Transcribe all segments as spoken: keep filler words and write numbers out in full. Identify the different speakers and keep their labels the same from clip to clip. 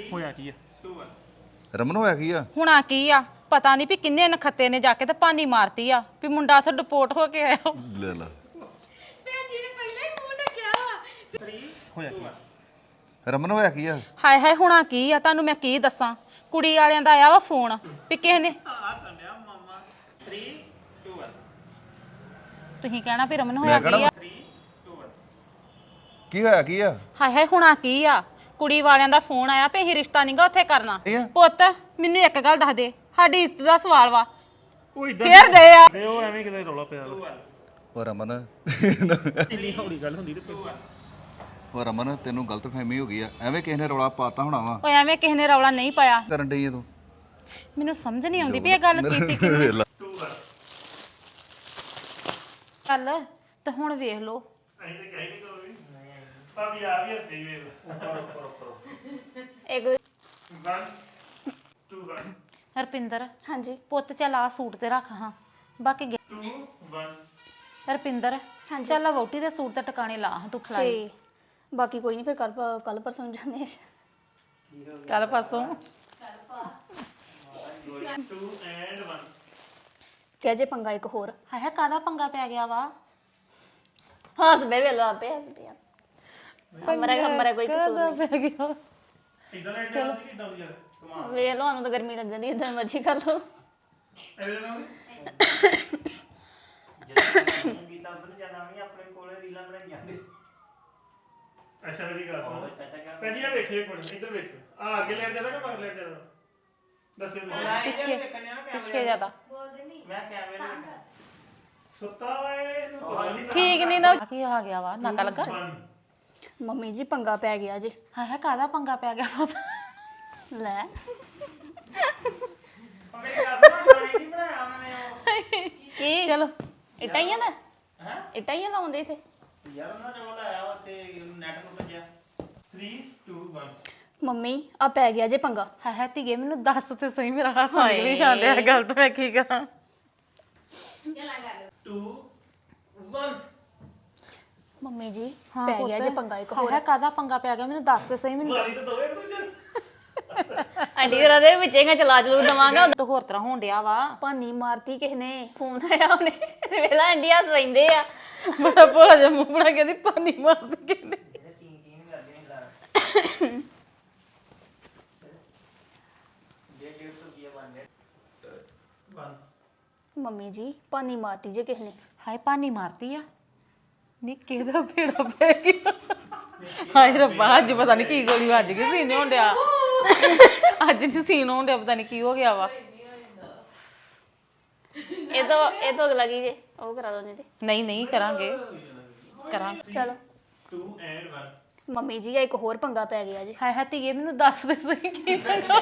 Speaker 1: ਹੋਇਆ ਕੀ ਆ
Speaker 2: ਰਮਨ ਹੋਇਆ ਕੀ ਆ
Speaker 3: ਹੁਣ ਆ ਕੀ ਆ ਪਤਾ ਨਹੀਂ ਵੀ ਕਿੰਨੇ ਨਖੱਤੇ ਨੇ ਜਾ ਕੇ ਤੇ ਪਾਣੀ ਮਾਰਤੀ ਆ ਵੀ ਮੁੰਡਾ ਉੱਥੇ ਡਿਪੋਰਟ ਹੋ ਕੇ ਆਇਆ
Speaker 2: ਲੈ ਲਾ
Speaker 1: ਹੋਇਆ ਕੀ
Speaker 2: ਰਮਨ ਹੋਇਆ ਕੀ ਆ
Speaker 3: ਹਾਏ ਹਾਏ ਹੁਣ ਆ ਕੀ ਆ ਤੁਹਾਨੂੰ ਮੈਂ ਕੀ ਦੱਸਾਂ ਕੁੜੀ ਵਾਲਿਆਂ ਦਾ ਆਇਆ ਵਾ ਫੋਨ ਵੀ ਕਿਸੇ ਨੇ ਤੁਸੀਂ ਕਹਿਣਾ ਵੀ ਰਮਨ ਹੋਇਆ ਕੀ ਆ
Speaker 2: ਕੀ ਹੋਇਆ ਕੀ ਆ
Speaker 3: ਹਾਏ ਹਾਏ ਹੁਣ ਆ ਕੀ ਆ ਕੁੜੀ ਵਾਲਿਆਂ ਦਾ ਫੋਨ ਆਇਆ ਵੀ ਇਹ ਰਿਸ਼ਤਾ ਨਹੀਂਗਾ ਉੱਥੇ ਕਰਨਾ
Speaker 2: ਇਹ ਆ?
Speaker 3: ਪੁੱਤ ਮੈਨੂੰ ਇੱਕ ਗੱਲ ਦੱਸ ਦੇ ਸਾਡੀ ਇੱਜ਼ਤ ਦਾ ਸਵਾਲ ਵਾ
Speaker 1: ਉਹ ਇਦਾਂ
Speaker 3: ਫੇਰ ਗਏ ਆ
Speaker 1: ਤੇ ਉਹ ਐਵੇਂ ਕਿਤੇ ਰੌਲਾ ਪਿਆ
Speaker 2: ਉਹ ਰਮਨ
Speaker 1: ਇੰਨੀ ਹੌਲੀ ਗੱਲ ਹੁੰਦੀ ਤੇ
Speaker 2: ਉਹ ਰਮਨ ਤੈਨੂੰ ਗਲਤਫਹਿਮੀ ਹੋ ਗਈ ਆ ਐਵੇਂ ਕਿਸੇ ਨੇ ਰੌਲਾ ਪਾਤਾ ਹੋਣਾ ਵਾ
Speaker 3: ਓਏ ਐਵੇਂ ਕਿਸੇ ਨੇ ਰੌਲਾ ਨਹੀਂ ਪਾਇਆ
Speaker 2: ਕਰਨ ਡਈ ਆ ਤੂੰ
Speaker 3: ਮੈਨੂੰ ਸਮਝ ਨਹੀਂ ਆਉਂਦੀ ਵੀ ਇਹ ਗੱਲ ਕੀਤੀ ਕਿਹਨੇ
Speaker 2: ਵੇਖ ਲਾ।
Speaker 3: ਚੱਲ ਤੇ ਹੁਣ ਵੇਖ ਲਓ
Speaker 1: ਅਸੀਂ ਤੇ ਕਹਿ ਨਹੀਂ ਕਰੋ ਵੀ ਭਾਬੀ ਆ ਵੀ ਹੱਸੇ ਵੇਖ
Speaker 4: ਇੱਕ
Speaker 1: one two one
Speaker 3: ਹਰਪਿੰਦਰ
Speaker 4: ਹਾਂਜੀ
Speaker 3: ਪੁੱਤ ਚੱਲ ਆ ਸੂਟ ਤੇ ਰੱਖ ਹਾਂ ਬਾਕੀ ਗੇ-
Speaker 1: two one
Speaker 3: ਹਰਪਿੰਦਰ ਚੱਲ ਆ ਵੋਟੀ ਦੇ ਸੂਟ ਤੇ ਟਿਕਾਣੇ ਲਾ ਹਾਂ ਤੂੰ ਖਲਾਈ
Speaker 4: ਤੇ ਬਾਕੀ ਕੋਈ ਨਹੀਂ ਫਿਰ ਕੱਲ ਕੱਲ ਪਰਸੋਂ ਨੂੰ ਜਾਂਦੇ ਆ
Speaker 3: ਕੱਲ ਪਾਸੋਂ
Speaker 1: two and one
Speaker 4: ਚਾਹੇ ਜੇ ਪੰਗਾ ਇੱਕ ਹੋਰ
Speaker 3: ਹਾਏ ਹਾਏ ਕਾਹਦਾ ਪੰਗਾ ਪੈ ਗਿਆ ਵਾ
Speaker 4: ਹੱਸ ਬੇ ਵੇਲੋ ਆਪੇ ਹੱਸ ਪਿਆ ਹਮਾਰਾ ਹਮਾਰਾ ਕੋਈ ਕਸੂਰ ਨਹੀਂ
Speaker 3: ਪੈ ਗਿਆ
Speaker 1: ਇਦਾਂ ਲੈ ਕੇ ਆਉਂਦੀ ਕਿਦਾਂ ਦੀ ਯਾਰ ਕਮਾਲ
Speaker 4: ਵੇਖ ਲਓ ਸਾਨੂੰ ਤਾਂ ਗਰਮੀ ਲੱਗ ਜਾਂਦੀ ਇਦਾਂ ਮਰਜ਼ੀ ਕਰ ਲਓ
Speaker 1: ਇਹਦੇ ਨਾਲ
Speaker 5: ਗੀਤਾ ਉਧਰ ਜਾਣਾ ਵੀ ਆਪਣੇ ਕੋਲੇ ਰੀਲਾਂ ਬਣਾਈਆਂ ਨੇ
Speaker 1: ਅੱਛਾ ਮੇਰੀ ਗੱਲ ਸੁਣ ਪਹਿਲੀ ਆ ਵੇਖੇ ਕੋਲ ਇੱਧਰ ਵੇਖੋ ਆ ਅੱਗੇ ਲੈਟ ਜਾਣਾ ਕਿ ਮਗਰ ਲੈਟ ਜਾਣਾ ਦੱਸਿਓ ਮੈਨੂੰ।
Speaker 3: ਪਿੱਛੇ ਪਿੱਛੇ ਜ਼ਿਆਦਾ
Speaker 5: ਮੈਂ ਕੈਮਰੇ ਨੂੰ ਵੇਖਿਆ
Speaker 1: ਸੁੱਤਾ ਵਾ ਇਹਨੂੰ ਪਤਾ ਨਹੀਂ
Speaker 3: ਠੀਕ ਨਹੀਂ ਨਾ ਕੀ ਆ ਗਿਆ ਵਾ ਨਕਲ ਲੱਗਾ
Speaker 1: one
Speaker 4: ਮੰਮੀ ਜੀ ਪੰਗਾ ਪੈ ਗਿਆ ਜੀ
Speaker 3: ਹਾਏ ਹਾਏ ਕਾਹਦਾ ਪੰਗਾ ਪੈ ਗਿਆ ਪੁੱਤ
Speaker 4: ਲੈ
Speaker 5: ਮੇਰੀ ਗੱਲ ਸੁਣ ਗਾਣੇ ਨਹੀਂ ਬਣਾਇਆ ਉਹਨਾਂ ਨੇ ਉਹ
Speaker 4: ਕੀ
Speaker 3: ਚਲੋ
Speaker 4: ਇਟਾਈਆਂ ਦਾ
Speaker 5: ਹੈ
Speaker 4: ਇਟਾਈਆਂ ਲਾਉਂਦੇ ਇੱਥੇ
Speaker 5: ਯਾਰ ਉਹਨਾਂ ਨੇ ਉਹ ਲਾਇਆ ਵਾ ਤੇ ਨੈਟ ਨੂੰ ਭੱਜਿਆ
Speaker 1: three two one
Speaker 4: ਮੰਮੀ ਆ ਪੈ ਗਿਆ ਜੇ ਪੰਗਾ
Speaker 3: ਹਾਏ ਹਾਏ ਧੀਏ ਮੈਨੂੰ ਦੱਸ ਤੇ ਸਹੀ ਮੇਰਾ ਹਾਸਾ ਨਿਕਲੀ ਜਾਂਦੇ ਆ ਗੱਲ ਤਾਂ ਮੈਂ ਕੀ ਕਰਾਂ
Speaker 5: two one
Speaker 4: ਮੰਮੀ ਜੀ
Speaker 3: ਹਾਂ
Speaker 4: ਪੈ ਗਿਆ ਜੇ ਪੰਗਾ ਇੱਕ
Speaker 3: ਹਾਏ
Speaker 4: ਹੋਰ
Speaker 3: ਹਾਏ ਕਾਹਦਾ ਪੰਗਾ ਪੈ ਗਿਆ ਮੈਨੂੰ ਦੱਸ ਤੇ ਸਹੀ ਮੈਨੂੰ
Speaker 1: ਵਾਲੀ ਤਾਂ ਦੋਵੇਂ ਇੱਕ ਦੂਜੇ
Speaker 4: ਆਂਟੀ ਤੇਰਾ ਦੇ ਵਿੱਚੇਗਾ ਚਲਾ ਚਲੂ ਦਵਾਂਗਾ
Speaker 3: ਤਾਂ ਹੋਰ ਤਰ੍ਹਾਂ ਹੋਣ ਡਿਆ ਵਾ
Speaker 4: ਭਾਨੀ ਮਾਰਤੀ ਕਿਸ ਨੇ ਫੋਨ ਆਇਆ ਉਹਨੇ ਵੇਲਾ ਆਂਟੀ ਹੱਸ ਪੈਂਦੇ ਆ
Speaker 3: ਬੜਾ ਭੋਲਾ ਜਿਹਾ ਮੂੰਹ ਬਣਾ ਕੇ ਦੀ ਪਾਣੀ ਮਾਰਦੀ ਕਿੰਨੇ
Speaker 5: ਇਹ ਟੀਂ ਟੀਂ ਨਹੀਂ ਕਰਦੀ ਨਹੀਂ ਲਾ ਜੇ ਡੇਢ ਸੌ ਰੁਪਇਆ ਬਣ ਗਿਆ
Speaker 1: one
Speaker 4: ਮੰਮੀ ਜੀ ਭਾਨੀ ਮਾਰਤੀ ਜੇ ਕਿਸ ਨੇ
Speaker 3: ਹਾਏ ਪਾਣੀ ਮਾਰਦੀ ਆ ਨਿੱਕੇ ਦਾ ਭੇੜਾ ਪੈ ਗਿਆ ਹਾਏ ਰੱਬਾ ਅੱਜ ਪਤਾ ਨਹੀਂ ਕੀ ਗੋਲੀ ਵੱਜ ਗਈ ਸੀਨੇ ਹੁੰਦਿਆ ਅੱਜ ਨਹੀਂ ਸੀਨ ਹੁੰਦਿਆ ਪਤਾ ਨਹੀਂ ਕੀ ਹੋ ਗਿਆ ਵਾ
Speaker 4: ਇਹ ਤੋਂ ਇਹ ਤੋਂ ਅਗਲਾ ਕੀ ਜੇ ਉਹ ਕਰਾ ਲਓ ਨਹੀਂ ਤੇ
Speaker 3: ਨਹੀਂ ਨਹੀਂ ਕਰਾਂਗੇ ਕਰਾਂਗੇ
Speaker 4: ਚਲੋ
Speaker 1: two and one
Speaker 4: ਮੰਮੀ ਜੀ ਆ ਇੱਕ ਹੋਰ ਪੰਗਾ ਪੈ ਗਿਆ ਜੀ
Speaker 3: ਹਾਏ ਹਾਏ ਧੀਏ ਮੈਨੂੰ ਦੱਸ ਦੇ ਸਹੀ ਕੀ ਪੰਗਾ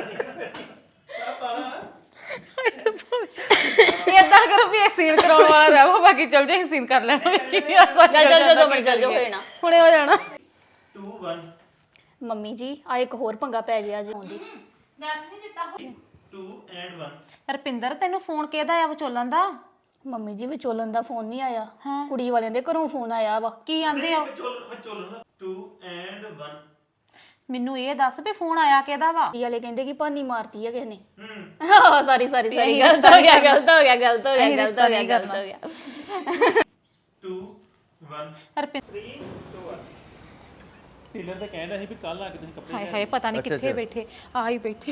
Speaker 3: ਏਦਾਂ ਕਰੋ ਵੀ ਇਹ ਸੀਨ ਕਰਾਉਣ ਵਾਲਾ ਰਹੋ ਬਾਕੀ ਚੱਲ ਜੇ ਸੀਨ ਕਰ ਲੈਣਾ ਕੀ
Speaker 4: ਚੱਲ ਚੱਲ ਚੱਲ ਦੋ ਮਿੰਟ ਚੱਲ ਜੋ ਹੋਏ ਨਾ
Speaker 3: ਹੁਣੇ ਹੋ ਜਾਣਾ
Speaker 1: two one
Speaker 4: ਮੰਮੀ ਜੀ ਆ ਇੱਕ ਹੋਰ ਪੰਗਾ ਪੈ ਗਿਆ ਜੀ ਆਉਂਦੀ
Speaker 1: two and one
Speaker 3: ਰਪਿੰਦਰ ਤੈਨੂੰ ਫੋਨ ਕਿਹਦਾ ਆ ਵਿਚੋਲਨ ਦਾ
Speaker 4: ਮੰਮੀ ਜੀ ਵਿਚੋਲਨ ਦਾ ਫੋਨ ਨਹੀਂ ਆਇਆ
Speaker 3: ਹਾਂ।
Speaker 4: ਕੁੜੀ ਵਾਲਿਆਂ ਦੇ ਘਰੋਂ ਫੋਨ ਆਇਆ ਵਾ
Speaker 3: ਕੀ ਆਂਦੇ ਆ
Speaker 1: ਚੋਲ ਚੋਲ ਨਾ two and one
Speaker 3: ਮੈਨੂੰ ਇਹ ਦੱਸ ਵੀ ਫੋਨ ਆਇਆ ਕਿਹਦਾ ਵਾ
Speaker 4: ਕੁੜੀ ਵਾਲੇ ਕਹਿੰਦੇ ਕਿ ਭਾਨੀ ਮਾਰਤੀ ਆ ਕਿਸ ਨੇ
Speaker 1: ਹੂੰ
Speaker 4: ਸੌਰੀ ਸੌਰੀ ਸੌਰੀ ਗਲਤ ਹੋ ਗਿਆ ਗਲਤ ਹੋ ਗਿਆ ਗਲਤ ਹੋ ਗਿਆ ਗਲਤ ਹੋ ਗਿਆ ਗਲਤ ਹੋ ਗਿਆ
Speaker 1: two one
Speaker 3: Rupinder
Speaker 1: three two one tailor ਤਾਂ ਕਹਿੰਦਾ ਸੀ ਵੀ ਕੱਲ ਆ ਕੇ ਤੁਸੀਂ ਕੱਪੜੇ
Speaker 3: ਹਾਏ ਹਾਏ ਪਤਾ ਨਹੀਂ ਕਿੱਥੇ ਬੈਠੇ ਆ ਹੀ ਬੈਠੇ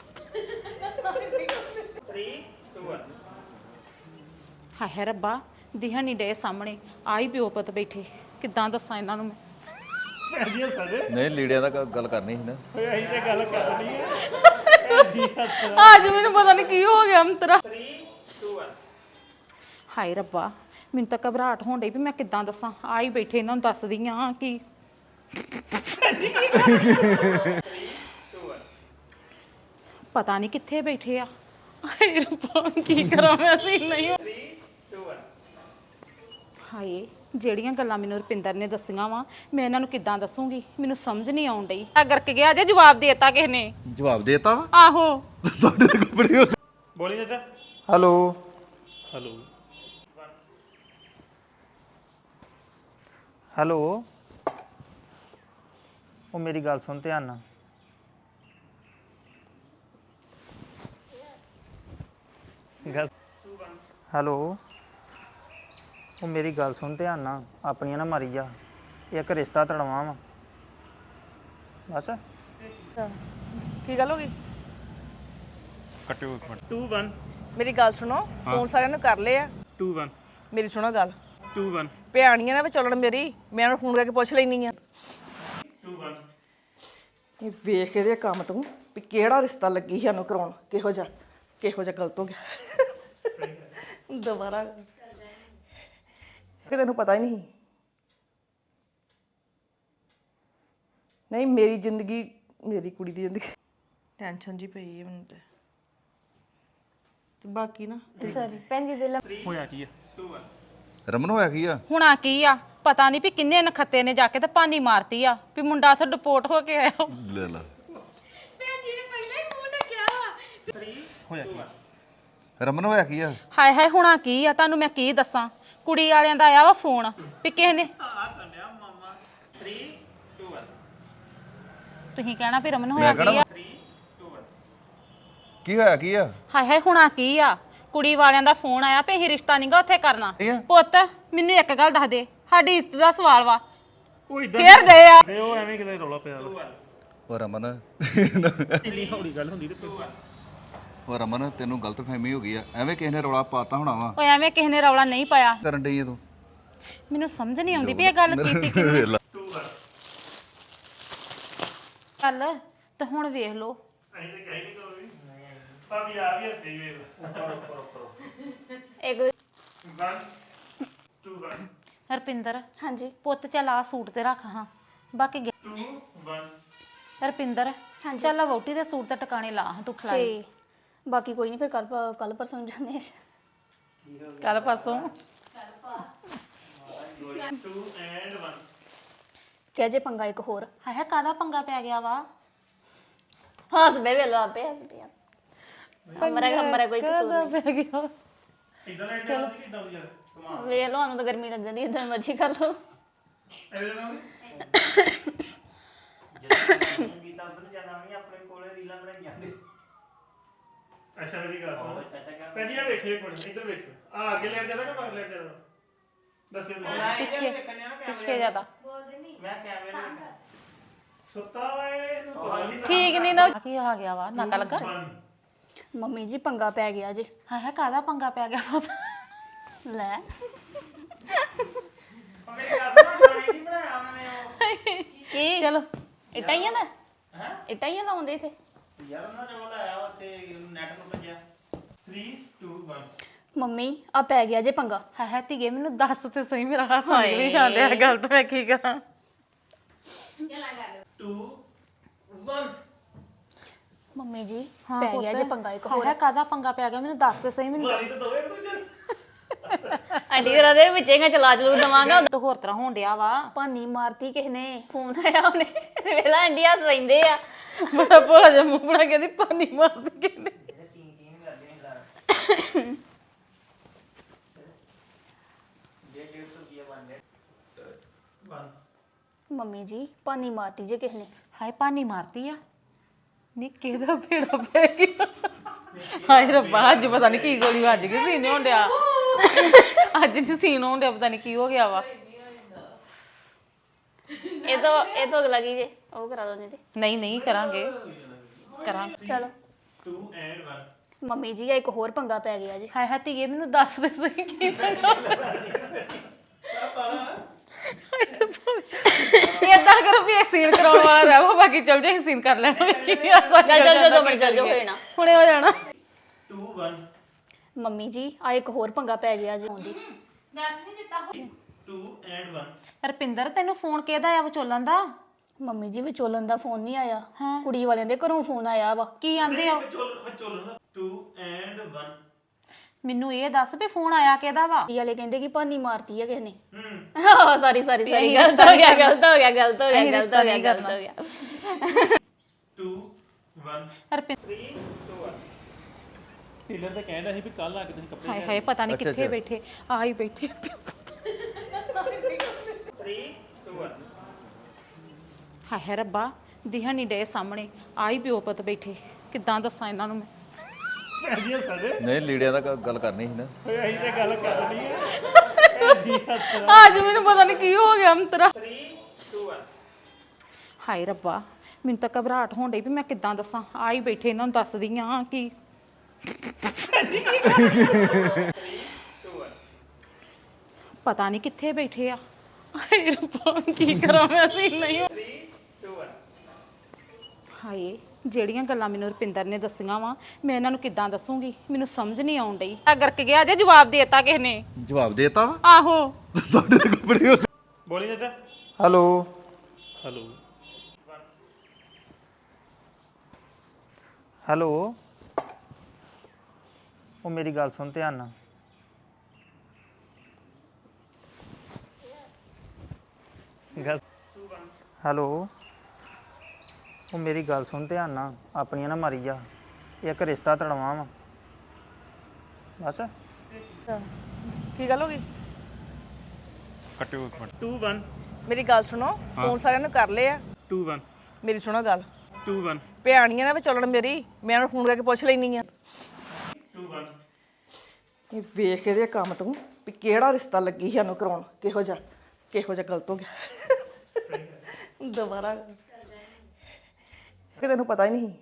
Speaker 1: three two one
Speaker 3: ਹਾਏ ਹਾਏ ਰੱਬਾ ਦਿਹਾ ਨਹੀਂ ਡੇ ਸਾਹਮਣੇ ਆ ਹੀ ਪਿਓ ਪੁੱਤ ਬੈਠੇ ਕਿੱਦਾਂ ਦੱਸਾਂ ਇਹਨਾਂ ਨੂੰ ਮੈਂ
Speaker 1: ਜੀ ਸਾਡੇ
Speaker 2: ਨਹੀਂ ਲੀੜਿਆਂ ਦਾ ਗ- ਗੱਲ ਕਰਨੀ ਸੀ ਨਾ
Speaker 1: ਓਏ ਅਸੀਂ ਤੇ ਗੱਲ ਕਰਨੀ ਹੈ ਜੀ ਹੱਸ
Speaker 3: ਅੱਜ ਮੈਨੂੰ ਪਤਾ ਨਹੀਂ ਕੀ ਹੋ ਗਿਆ ਅੰਤਰਾ
Speaker 1: three two one
Speaker 3: ਹਾਏ ਰੱਬਾ ਮੈਨੂੰ ਤਾਂ ਘਬਰਾਹਟ ਹੋਣ ਡਈ ਵੀ ਮੈਂ ਕਿੱਦਾਂ ਦੱਸਾਂ ਆ ਹੀ ਬੈਠੇ ਇਹਨਾਂ ਨੂੰ ਦੱਸਦੀ ਆ ਕਿ ਪਤਾ ਨਹੀਂ ਕਿੱਥੇ ਬੈਠੇ ਆ ਹਾਏ ਰੱਬਾ ਕੀ ਕਰਾਂ ਮੈਂ ਸੀ ਨਹੀਂ ਹਾਏ ਜਿਹੜੀਆਂ ਗੱਲਾਂ ਮੈਨੂੰ ਰੁਪਿੰਦਰ ਨੇ ਦੱਸੀਆਂ ਵਾ ਮੈਂ ਇਹਨਾਂ ਨੂੰ ਕਿੱਦਾਂ ਦੱਸੂਗੀ ਮੈਨੂੰ ਸਮਝ ਨਹੀਂ ਆਉਣ ਡਈ ਆ ਗਰਕ ਗਿਆ ਜੇ ਜਵਾਬ ਦੇਤਾ ਕਿਸ ਨੇ
Speaker 2: ਜਵਾਬ ਦੇਤਾ ਵਾ
Speaker 3: ਆਹੋ
Speaker 2: ਸਾਡੇ ਦੇ ਕੱਪੜੇ ਹੋ
Speaker 1: ਬੋਲੀ ਚਾਚਾ
Speaker 5: ਹੈਲੋ
Speaker 1: ਹੈਲੋ
Speaker 5: ਹੈਲੋ ਉਹ ਮੇਰੀ ਗੱਲ ਸੁਣ ਧਿਆਨ ਨਾਲ ਗੱਲ ਹੈਲੋ ਉਹ ਮੇਰੀ ਗੱਲ ਸੁਣ ਧਿਆਨ ਨਾਲ ਆਪਣੀਆਂ ਨਾ ਮਾਰੀ ਜਾ ਇੱਕ ਰਿਸ਼ਤਾ ਤੜਵਾ ਵਾ ਬਸ
Speaker 6: ਕੀ ਗੱਲ ਹੋ ਗਈ
Speaker 1: ਟੂ ਵਨ
Speaker 6: ਮੇਰੀ ਗੱਲ ਸੁਣੋ ਫੋਨ ਸਾਰਿਆਂ ਨੂੰ ਕਰ ਲਿਆ
Speaker 1: ਟੂ ਵਨ
Speaker 6: ਮੇਰੀ ਸੁਣੋ ਗੱਲ
Speaker 1: ਟੂ ਵਨ
Speaker 6: ਭਿਆਣੀਆਂ ਨਾ ਵੀ ਚੱਲਣ ਮੇਰੀ ਮੈਂ ਉਹਨੂੰ ਫੋਨ ਕਰਕੇ ਪੁੱਛ ਲੈਣੀ ਆ
Speaker 1: ਟੂ ਵਨ
Speaker 6: ਇਹ ਵੇਖ ਇਹਦੇ ਕੰਮ ਤੋਂ ਵੀ ਕਿਹੜਾ ਰਿਸ਼ਤਾ ਲੱਗੀ ਸਾਨੂੰ ਕਰਾਉਣ ਕਿਹੋ ਜਿਹਾ ਕਿਹੋ ਜਿਹਾ ਗਲਤ ਹੋ ਗਿਆ ਦੁਬਾਰਾ ਕਿ ਤੈਨੂੰ ਪਤਾ ਹੀ ਨਹੀਂ ਨਹੀਂ ਮੇਰੀ ਜ਼ਿੰਦਗੀ ਮੇਰੀ ਕੁੜੀ ਦੀ ਜ਼ਿੰਦਗੀ ਟੈਨਸ਼ਨ ਜੀ ਪਈ ਹੈ ਮੈਨੂੰ ਤੇ ਤੇ ਬਾਕੀ ਨਾ
Speaker 4: ਸੌਰੀ ਭੈਣ ਜੀ ਦੇ ਲ
Speaker 1: ਹੋਇਆ ਕੀ ਆ ਟੂ ਵਨ
Speaker 2: ਰਮਨ ਹੋਇਆ ਕੀ ਆ
Speaker 3: ਹੁਣ ਆ ਕੀ ਆ ਪਤਾ ਨਹੀਂ ਵੀ ਕਿੰਨੇ ਨਖੱਤੇ ਨੇ ਜਾ ਕੇ ਤੇ ਪਾਣੀ ਮਾਰਤੀ ਆ ਵੀ ਮੁੰਡਾ ਉੱਥੇ ਡਿਪੋਰਟ ਹੋ ਕੇ ਆਇਆ
Speaker 2: ਲੈ ਲਾ
Speaker 1: ਹੋਇਆ ਕੀ
Speaker 2: ਰਮਨ ਹੋਇਆ ਕੀ ਆ
Speaker 3: ਹਾਏ ਹਾਏ ਹੁਣ ਆ ਕੀ ਆ ਤੁਹਾਨੂੰ ਮੈਂ ਕੀ ਦੱਸਾਂ ਕੁੜੀ ਵਾਲਿਆਂ ਦਾ ਆਇਆ ਵਾ ਫੋਨ ਵੀ ਕਿਸੇ ਨੇ
Speaker 1: ਆ ਸੰਡਿਆ ਮਾਮਾ ਥ੍ਰੀ ਟੂ ਵਨ
Speaker 3: ਤੁਸੀਂ ਕਹਿਣਾ ਵੀ ਰਮਨ ਹੋਇਆ
Speaker 2: ਮੈਂ
Speaker 3: ਕੀ ਆ
Speaker 1: ਥ੍ਰੀ ਟੂ ਵਨ
Speaker 2: ਕੀ ਹੋਇਆ ਕੀ ਆ
Speaker 3: ਹਾਏ ਹਾਏ ਹੁਣ ਆ ਕੀ ਆ ਕੁੜੀ ਵਾਲਿਆਂ ਦਾ ਫੋਨ ਆਇਆ ਵੀ ਇਹ ਰਿਸ਼ਤਾ ਨਹੀਂਗਾ ਉੱਥੇ ਕਰਨਾ
Speaker 2: ਇਹ ਆ?
Speaker 3: ਪੁੱਤ ਮੈਨੂੰ ਇੱਕ ਗੱਲ ਦੱਸ ਦੇ ਸਾਡੀ ਇੱਜ਼ਤ ਦਾ ਸਵਾਲ ਵਾ
Speaker 1: ਉਹ ਇਦਾਂ
Speaker 3: ਫੇਰ ਗਏ ਆ
Speaker 1: ਤੇ ਉਹ ਐਵੇਂ ਕਿਤੇ ਰੌਲਾ ਪਿਆ ਵਾ।
Speaker 2: ਉਹ ਰਮਨ
Speaker 1: ਇੰਨੀ ਹੌਲੀ ਗੱਲ ਹੁੰਦੀ ਤੇ ਫਿਰ
Speaker 2: ਉਹ ਰਮਨ ਤੈਨੂੰ ਗਲਤਫਹਿਮੀ ਹੋ ਗਈ ਆ ਐਵੇਂ ਕਿਸੇ ਨੇ ਰੌਲਾ ਪਾਤਾ ਹੋਣਾ ਵਾ
Speaker 3: ਓਏ ਐਵੇਂ ਕਿਸੇ ਨੇ ਰੌਲਾ ਨਹੀਂ ਪਾਇਆ
Speaker 2: ਕਰਨ ਡਈ ਆ ਤੂੰ
Speaker 3: ਮੈਨੂੰ ਸਮਝ ਨਹੀਂ ਆਉਂਦੀ ਵੀ ਇਹ ਗੱਲ ਕੀਤੀ ਕਿ
Speaker 2: ਵੇਖ ਲਾ।
Speaker 1: ਟੂ ਵਨ
Speaker 3: ਚੱਲ ਤੇ ਹੁਣ ਵੇਖ ਲਓ
Speaker 1: ਅਸੀਂ ਤੇ ਕਹਿ ਨਹੀਂ ਕਰੋ ਵੀ ਭਾਬੀ ਆ ਵੀ ਹੱਸੇ ਵੇ ਕਰੋ ਕਰੋ ਕਰੋ
Speaker 4: ਇੱਕ
Speaker 1: ਵਨ ਟੂ ਵਨ
Speaker 3: ਰਪਿੰਦਰ
Speaker 4: ਹਾਂਜੀ
Speaker 3: ਪੁੱਤ ਚੱਲ ਆ ਸੂਟ ਤੇ ਰੱਖ ਹਾਂ ਬਾਕੀ ਗੇ-
Speaker 1: ਟੂ ਵਨ
Speaker 3: ਰਪਿੰਦਰ ਚੱਲ ਆ ਵੋਟੀ ਦੇ ਸੂਟ ਤੇ ਟਿਕਾਣੇ ਲਾ ਹਾਂ ਤੂੰ ਖਲਾਈ
Speaker 4: ਤੇ ਬਾਕੀ ਕੋਈ ਨਹੀਂ ਫਿਰ ਕੱਲ ਕੱਲ ਪਰਸੋਂ ਨੂੰ ਜਾਂਦੇ ਆ
Speaker 3: ਕੱਲ ਪਾਸੋਂ
Speaker 1: ਟੂ ਐਂਡ ਵਨ
Speaker 4: ਚਾਹੇ ਜੇ ਪੰਗਾ ਇੱਕ ਹੋਰ
Speaker 3: ਹਾਏ ਹਾਏ ਕਾਹਦਾ ਪੰਗਾ ਪੈ ਗਿਆ ਵਾ
Speaker 4: ਹੱਸ ਬੇ ਵੇਲੋ ਆਪੇ ਹੱਸ ਪਿਆ ਹਮਾਰਾ ਹਮਾਰਾ ਕੋਈ ਕਸੂਰ ਨਹੀਂ
Speaker 3: ਪੈ ਗਿਆ
Speaker 1: ਇਦਾਂ ਲੈ ਕੇ ਆਉਂਦੀ ਕਿਦਾਂ ਦੀ ਯਾਰ
Speaker 4: ਵੇਖ ਲਓ ਸਾਨੂੰ ਤਾਂ ਗਰਮੀ ਲੱਗਦੀ ਇਦਾਂ ਮਰਜ਼ੀ ਕਰ ਲਓ
Speaker 1: ਇਹਦੇ ਨਾਲ
Speaker 5: ਗੀਤਾ ਉਧਰ ਜਾਣਾ ਵੀ ਆਪਣੇ ਕੋਲੇ ਰੀਲਾਂ ਬਣਾਈਆਂ ਨੇ
Speaker 1: ਅੱਛਾ ਮੇਰੀ ਗੱਲ ਸੁਣ ਪਹਿਲੀ ਆ ਵੇਖੇ ਇੱਕ ਮਿੰਟ ਇੱਧਰ ਵੇਖੋ ਆ ਅੱਗੇ ਲੈਟ ਜਾਦਾ ਕਿ ਮਗਰ ਲੈਟ ਜਾਦਾ ਦੱਸਿਓ ਮੈਨੂੰ।
Speaker 3: ਪਿੱਛੇ ਪਿੱਛੇ ਜਿਆਦਾ
Speaker 5: ਮੈਂ ਕੈਮਰੇ ਨੂੰ
Speaker 1: ਸੁੱਤਾ ਵਾ ਇਹਨੂੰ ਪਤਾ ਨਹੀਂ
Speaker 3: ਠੀਕ ਨਹੀਂ ਨਾ ਕੀ ਆ ਗਿਆ ਵਾ ਨਾਕਾ ਲੱਗਾ
Speaker 4: ਮੰਮੀ ਜੀ ਪੰਗਾ ਪੈ ਗਿਆ ਜੀ
Speaker 3: ਹਾਏ ਹਾਏ ਕਾਹਦਾ ਪੰਗਾ ਪੈ ਗਿਆ ਪੁੱਤ
Speaker 4: ਲੈ
Speaker 5: ਮੇਰੀ ਗੱਲ ਸੁਣ ਗਾਣੇ ਨਹੀਂ ਬਣਾਇਆ ਉਹਨਾਂ ਨੇ ਉਹ
Speaker 4: ਕੀ
Speaker 3: ਚਲੋ
Speaker 4: ਇਟਾਈਆਂ ਦਾ
Speaker 5: ਹੈ
Speaker 4: ਇਟਾਈਆਂ ਲਾਉਂਦੇ ਇੱਥੇ
Speaker 5: ਯਾਰ ਉਹਨਾਂ ਨੇ ਉਹ ਲਾਇਆ ਉੱਥੇ ਨੈਟ ਨੂੰ ਭੱਜਿਆ
Speaker 1: ਥ੍ਰੀ ਟੂ ਵਨ
Speaker 4: ਮੰਮੀ ਆ ਪੈ ਗਿਆ ਜੇ ਪੰਗਾ
Speaker 3: ਹਾਏ ਹਾਏ ਧੀਏ ਮੈਨੂੰ ਦੱਸ ਤੇ ਸਹੀ ਮੇਰਾ ਹਾਸਾ ਨਿਕਲੀ ਜਾਂਦੇ ਆ ਗੱਲ ਤਾਂ ਮੈਂ ਕੀ ਕਰਾਂ
Speaker 1: ਟੂ ਵਨ
Speaker 4: ਮੰਮੀ ਜੀ
Speaker 3: ਹਾਂ
Speaker 4: ਪੈ ਗਿਆ ਜੇ ਪੰਗਾ ਇੱਕ ਹੋਰ
Speaker 3: ਹਾਏ ਕਾਹਦਾ ਪੰਗਾ ਪੈ ਗਿਆ ਮੈਨੂੰ ਦੱਸ ਤੇ ਸਹੀ ਮੈਨੂੰ
Speaker 1: ਮਾਰੀ ਤਾਂ ਦੋਵੇਂ ਇੱਕ ਦੂਜੇ
Speaker 4: ਆਂਟੀ ਤੇਰਾ ਦੇ ਵਿੱਚੇਗਾ ਚਲਾ ਚਲੂ ਦਵਾਂਗਾ
Speaker 3: ਤਾਂ ਹੋਰ ਤਰ੍ਹਾਂ ਹੋਣ ਡਿਆ ਵਾ
Speaker 4: ਭਾਨੀ ਮਾਰਤੀ ਕਿਸ ਨੇ ਫੋਨ ਆਇਆ ਉਹਨੇ ਵੇਲਾ ਇੰਡੀਆ ਸਵੈਂਦੇ ਆ
Speaker 3: ਬੜਾ ਭੋਲਾ ਜਿਹਾ ਮੂੰਹ ਬਣਾ ਕੇ ਦੀ ਪਾਣੀ ਮਾਰਦੀ ਕਹਿੰਦੇ
Speaker 5: ਟੀਂ ਟੀਂ ਕਰਦੇ ਨੇ ਲਾ ਜੇ ਡੇਢ ਸੌ ਰੁਪਏ ਬਣ ਗਏ
Speaker 1: ਵਨ
Speaker 4: ਮੰਮੀ ਜੀ ਭਾਨੀ ਮਾਰਤੀ ਜੇ ਕਿਸ ਨੇ
Speaker 3: ਹਾਏ ਪਾਣੀ ਮਾਰਦੀ ਆ ਨੀ ਕਿਹਦਾ ਭੇੜਾ ਪੈ ਗਿਆ ਹਾਏ ਰੱਬਾ ਅੱਜ ਪਤਾ ਨਹੀਂ ਕੀ ਗੋਲੀ ਵੱਜ ਗਈ ਸੀਨੇ ਹੋਣ ਡਿਆ ਅੱਜ ਨਹੀਂ ਸੀਨ ਹੋਣ ਡਿਆ ਪਤਾ ਨਹੀਂ ਕੀ ਹੋ ਗਿਆ ਵਾ
Speaker 4: ਇਹ ਤੋਂ ਇਹ ਤੋਂ ਅਗਲਾ ਕੀ ਜੇ ਉਹ ਕਰਾ ਲਓ ਨਹੀਂ ਤੇ
Speaker 3: ਨਹੀਂ ਨਹੀਂ ਕਰਾਂਗੇ ਕਰਾਂਗੇ
Speaker 4: ਚਲੋ
Speaker 1: ਟੂ ਐਂਡ ਵਨ
Speaker 4: ਮੰਮੀ ਜੀ ਆ ਇੱਕ ਹੋਰ ਪੰਗਾ ਪੈ ਗਿਆ ਜੀ
Speaker 3: ਹਾਏ ਹਾਏ ਧੀਏ ਮੈਨੂੰ ਦੱਸ ਦੇ ਸਹੀ ਕੀ ਪੰਗਾ ਏਦਾਂ ਕਰੋ ਵੀ ਇਹ ਸੀਨ ਕਰਾਉਣ ਵਾਲਾ ਰਹੋ ਬਾਕੀ ਚੱਲ ਜੇ ਸੀਨ ਕਰ ਲੈਣਾ ਕੀ
Speaker 4: ਚੱਲ ਚੱਲ ਚੱਲ ਦੋ ਮਿੰਟ ਚੱਲ ਜਾਓ ਹੋਏ ਨਾ
Speaker 3: ਹੁਣੇ ਹੋ ਜਾਣਾ
Speaker 1: ਟੂ ਵਨ
Speaker 4: ਮੰਮੀ ਜੀ ਆ ਇੱਕ ਹੋਰ ਪੰਗਾ ਪੈ ਗਿਆ ਜੀ ਆਉਂਦੀ
Speaker 1: ਟੂ ਐਂਡ ਵਨ
Speaker 3: ਰਪਿੰਦਰ ਤੈਨੂੰ ਫੋਨ ਕਿਹਦਾ ਆ ਵਿਚੋਲਨ ਦਾ
Speaker 4: ਮੰਮੀ ਜੀ ਵਿਚੋਲਨ ਦਾ ਫੋਨ ਨਹੀਂ ਆਇਆ
Speaker 3: ਹਾਂ।
Speaker 4: ਕੁੜੀ ਵਾਲਿਆਂ ਦੇ ਘਰੋਂ ਫੋਨ ਆਇਆ ਵਾ
Speaker 3: ਕੀ ਆਂਦੇ ਆ ਉਹ?
Speaker 1: ਚੋਲ ਚੋਲ ਨਾ ਟੂ ਐਂਡ ਵਨ
Speaker 3: ਮੈਨੂੰ ਇਹ ਦੱਸ ਵੀ ਫੋਨ ਆਇਆ ਕਿਹਦਾ ਵਾ
Speaker 4: ਕੁੜੀ ਵਾਲੇ ਕਹਿੰਦੇ ਕਿ ਭਾਨੀ ਮਾਰਤੀ ਆ ਕਿਸ ਨੇ
Speaker 1: ਹਮ
Speaker 4: ਸੌਰੀ ਸੌਰੀ
Speaker 3: ਵੀ
Speaker 4: ਸੌਰੀ
Speaker 3: ਅਸੀਂ
Speaker 4: ਗਲਤ ਹੋ ਗਿਆ ਗਲਤ ਹੋ ਗਿਆ ਗਲਤ ਹੋ ਗਿਆ
Speaker 3: ਅਸੀਂ
Speaker 4: ਗਲਤ ਹੋ
Speaker 3: ਰਿਸ਼ਤਾ
Speaker 4: ਗਿਆ
Speaker 3: ਨਹੀਂ
Speaker 4: ਗਲਤ ਹੋ ਗਿਆ
Speaker 1: two one
Speaker 3: Rupinder
Speaker 1: three two one tailor ਤਾਂ ਕਹਿੰਦਾ ਸੀ ਵੀ ਕੱਲ ਆ ਕੇ ਤੁਸੀਂ ਕੱਪੜੇ
Speaker 3: ਹਾਏ ਹਾਏ ਪਤਾ ਨਹੀਂ ਕਿੱਥੇ ਬੈਠੇ ਆ ਹੀ ਬੈਠੇ
Speaker 1: ਥ੍ਰੀ ਟੂ ਵਨ
Speaker 3: ਹਾਏ ਹਾਏ ਰੱਬਾ ਦਿਹਾ ਨਹੀਂ ਡੇ ਸਾਹਮਣੇ ਆ ਹੀ ਪਿਓ ਪੁੱਤ ਬੈਠੇ ਕਿੱਦਾਂ ਦੱਸਾਂ ਇਹਨਾਂ ਨੂੰ ਮੈਂ
Speaker 1: ਭੈਣ ਜੀ ਸਾਡੇ
Speaker 2: ਨਹੀਂ ਲੀੜਿਆਂ ਦਾ ਗ- ਗੱਲ ਕਰਨੀ ਸੀ ਨਾ
Speaker 1: ਓਏ ਅਸੀਂ ਤੇ ਗੱਲ ਕਰਨੀ ਹੈ ਭੈਣ ਜੀ ਹੱਸ
Speaker 3: ਅੱਜ ਮੈਨੂੰ ਪਤਾ ਨਹੀਂ ਕੀ ਹੋ ਗਿਆ ਅੰਤਰਾ ਹਾਏ ਰੱਬਾ ਮੈਨੂੰ ਤਾਂ ਘਬਰਾਹਟ ਹੋਣ ਡਈ ਵੀ ਮੈਂ ਕਿੱਦਾਂ ਦੱਸਾਂ ਆ ਹੀ ਬੈਠੇ ਇਹਨਾਂ ਨੂੰ ਦੱਸਦੀ ਆ ਕਿ ਪਤਾ ਨਹੀਂ ਕਿੱਥੇ ਬੈਠੇ ਆ ਹਾਏ ਰੱਬਾ ਕੀ ਕਰਾਂ ਮੈਂ ਸੀ ਨਹੀਂ ਹਾਏ ਜਿਹੜੀਆਂ ਗੱਲਾਂ ਮੈਨੂੰ ਰੁਪਿੰਦਰ ਨੇ ਦੱਸੀਆਂ ਵਾ ਮੈਂ ਇਹਨਾਂ ਨੂੰ ਕਿੱਦਾਂ ਦੱਸੂਗੀ ਮੈਨੂੰ ਸਮਝ ਨਹੀਂ ਆਉਣ ਡਈ ਆ ਕਰਕੇ ਗਿਆ ਜੇ ਜਵਾਬ ਦੇਤਾ ਕਿਸ ਨੇ
Speaker 2: ਜਵਾਬ ਦੇਤਾ ਵਾ
Speaker 3: ਆਹੋ
Speaker 2: ਸਾਡੇ ਦੇ ਕੱਪੜੇ
Speaker 1: ਬੋਲੀ ਚਾਚਾ
Speaker 5: ਹੈਲੋ
Speaker 1: ਹਲੋ
Speaker 5: ਹੈਲੋ ਉਹ ਮੇਰੀ ਗੱਲ ਸੁਣ ਧਿਆਨ ਨਾਲ ਗੱਲ ਹੈਲੋ ਉਹ ਮੇਰੀ ਗੱਲ ਸੁਣ ਧਿਆਨ ਨਾਲ ਆਪਣੀਆਂ ਨਾ ਮਾਰੀ ਜਾ ਇੱਕ ਰਿਸ਼ਤਾ ਤੜਵਾ ਵਾ ਬਸ
Speaker 6: ਕੀ ਗੱਲ ਹੋ ਗਈ
Speaker 1: ਟੂ ਵਨ
Speaker 6: ਮੇਰੀ ਗੱਲ ਸੁਣੋ ਫੋਨ ਸਾਰਿਆਂ ਨੂੰ ਕਰ ਲਏ ਆ
Speaker 1: ਟੂ ਵਨ
Speaker 6: ਮੇਰੀ ਸੁਣੋ ਗੱਲ
Speaker 1: ਟੂ ਵਨ
Speaker 6: ਭਿਆਣੀਆਂ ਨਾ ਵੀ ਚੱਲਣ ਮੇਰੀ ਮੈਂ ਉਹਨੂੰ ਫੋਨ ਕਰਕੇ ਪੁੱਛ ਲੈਣੀ ਆ
Speaker 1: ਟੂ ਵਨ
Speaker 6: ਇਹ ਵੇਖ ਇਹਦੇ ਕੰਮ ਤੂੰ ਵੀ ਕਿਹੜਾ ਰਿਸ਼ਤਾ ਲੱਗੀ ਸਾਨੂੰ ਕਰਾਉਣ ਕਿਹੋ ਜਿਹਾ ਕਿਹੋ ਜਿਹਾ ਗਲਤ ਹੋ ਗਿਆ ਦੁਬਾਰਾ ਕਿ ਤੈਨੂੰ ਪਤਾ ਹੀ ਨਹੀਂ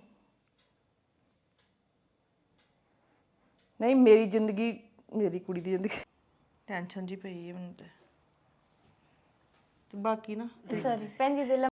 Speaker 6: ਨਹੀਂ ਮੇਰੀ ਜ਼ਿੰਦਗੀ ਮੇਰੀ ਕੁੜੀ ਦੀ ਜ਼ਿੰਦਗੀ ਟੈਨਸ਼ਨ ਜੀ ਪਈ ਹੈ ਮੈਨੂੰ ਤੇ ਤੇ ਬਾਕੀ ਨਾ
Speaker 4: ਸੌਰੀ ਭੈਣ ਜੀ ਦੇ